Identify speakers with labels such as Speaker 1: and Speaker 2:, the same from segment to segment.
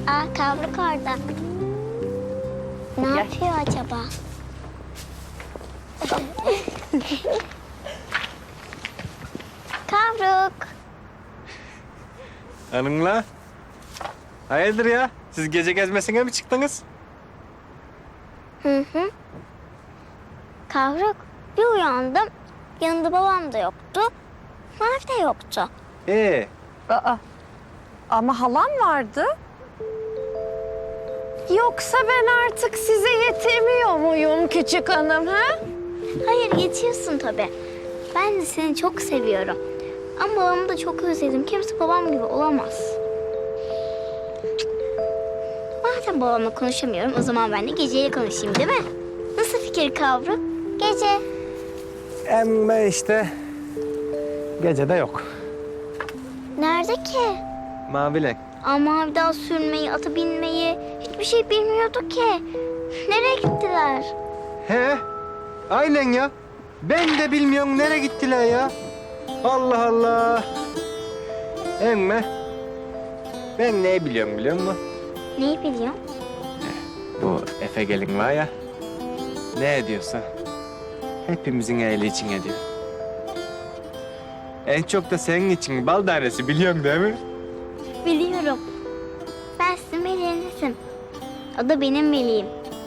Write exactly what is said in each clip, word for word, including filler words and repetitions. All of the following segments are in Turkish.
Speaker 1: Aa, kavruk orada. Ne
Speaker 2: Gel.
Speaker 1: yapıyor acaba? Kavruk.
Speaker 3: Hanımla. Hayırdır ya? Siz gece gezmesine mi çıktınız?
Speaker 1: Hı hı. Kavruk, bir uyandım. Yanında babam da yoktu. Mavi de yoktu.
Speaker 3: Ee,
Speaker 2: Aa, ama halam vardı. Yoksa ben artık size yetemiyor muyum küçük hanım ha?
Speaker 1: Hayır, yetiyorsun tabii. Ben de seni çok seviyorum. Ama babamı da çok özledim. Kimse babam gibi olamaz. Madem babamla konuşamıyorum, o zaman ben de geceyle konuşayım, değil mi? Nasıl fikir Kavruk? Gece.
Speaker 3: emme işte gecede yok.
Speaker 1: Nerede ki?
Speaker 3: Mavilen.
Speaker 1: Ama bir daha sürmeyi, ata binmeyi hiçbir şey bilmiyordu ki. Nereye gittiler?
Speaker 3: He? Aynen ya. Ben de bilmiyorum nereye gittiler ya. Allah Allah. Emme. Ben ne biliyorum biliyor musun?
Speaker 1: Neyi biliyorsun?
Speaker 3: Bu Efe gelin var ya. Ne ediyorsa hepimizin iyiliği için ediyor. En çok da senin için bal tanesi biliyorsun değil mi?
Speaker 1: Biliyorum. Ben sizin meleğinizim. O da benim meleğim.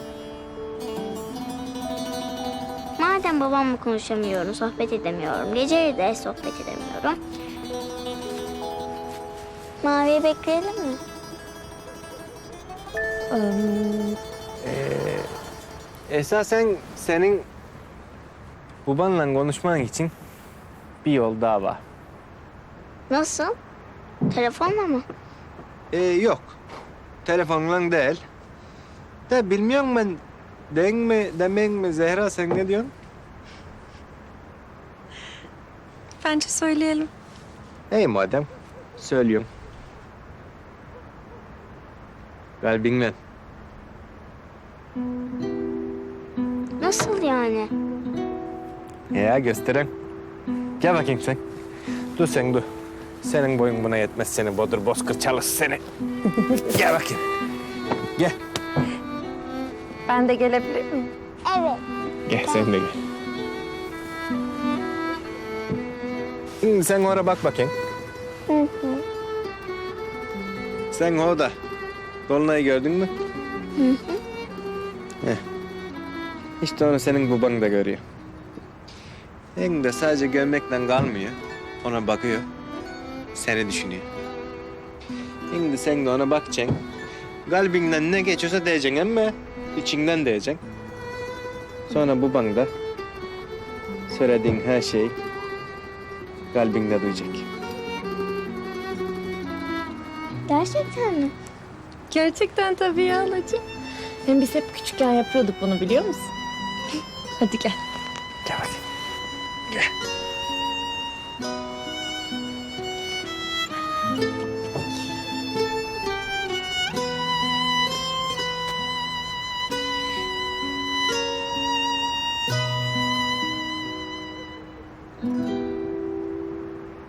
Speaker 1: Madem babamla konuşamıyorum, sohbet edemiyorum. Geceleri de sohbet edemiyorum. Mavi'yi bekleyelim mi?
Speaker 3: Esasen senin babanla konuşman için bir yol daha var.
Speaker 1: Nasıl? Telefonla mı?
Speaker 3: Ee, yok. Telefonla değil. De bilmiyorum ben. Den mi, demek mi Zehra sen ne diyorsun?
Speaker 2: Bence söyleyelim.
Speaker 3: İyi madem. Söylüyorum. Kalbinle.
Speaker 1: Nasıl yani?
Speaker 3: Ya gösteren. Gel bakayım sen. Dur sen dur. Senin boyun buna yetmez seni bodur bozkır çalış seni. Gel bakayım. Gel.
Speaker 2: Ben de gelebilir miyim?
Speaker 1: Evet.
Speaker 3: Gel sen de gel. Şimdi sen oraya bak bakayım.
Speaker 1: Hı hı.
Speaker 3: Sen orada. Dolunay'ı gördün mü?
Speaker 1: Hı hı.
Speaker 3: Heh. İşte onu senin baban da görüyor. Hem de sadece görmekle kalmıyor. Ona bakıyor. Seni düşünüyor. Şimdi sen de ona bakacaksın. Kalbinden ne geçiyorsa diyeceksin ama içinden diyeceksin. Sonra baban da söylediğin her şeyi kalbinde duyacak.
Speaker 1: Gerçekten mi?
Speaker 2: Gerçekten tabii ya halacığım. Hem biz hep küçükken yapıyorduk bunu biliyor musun? Hadi gel.
Speaker 3: Gel bakayım. Gel.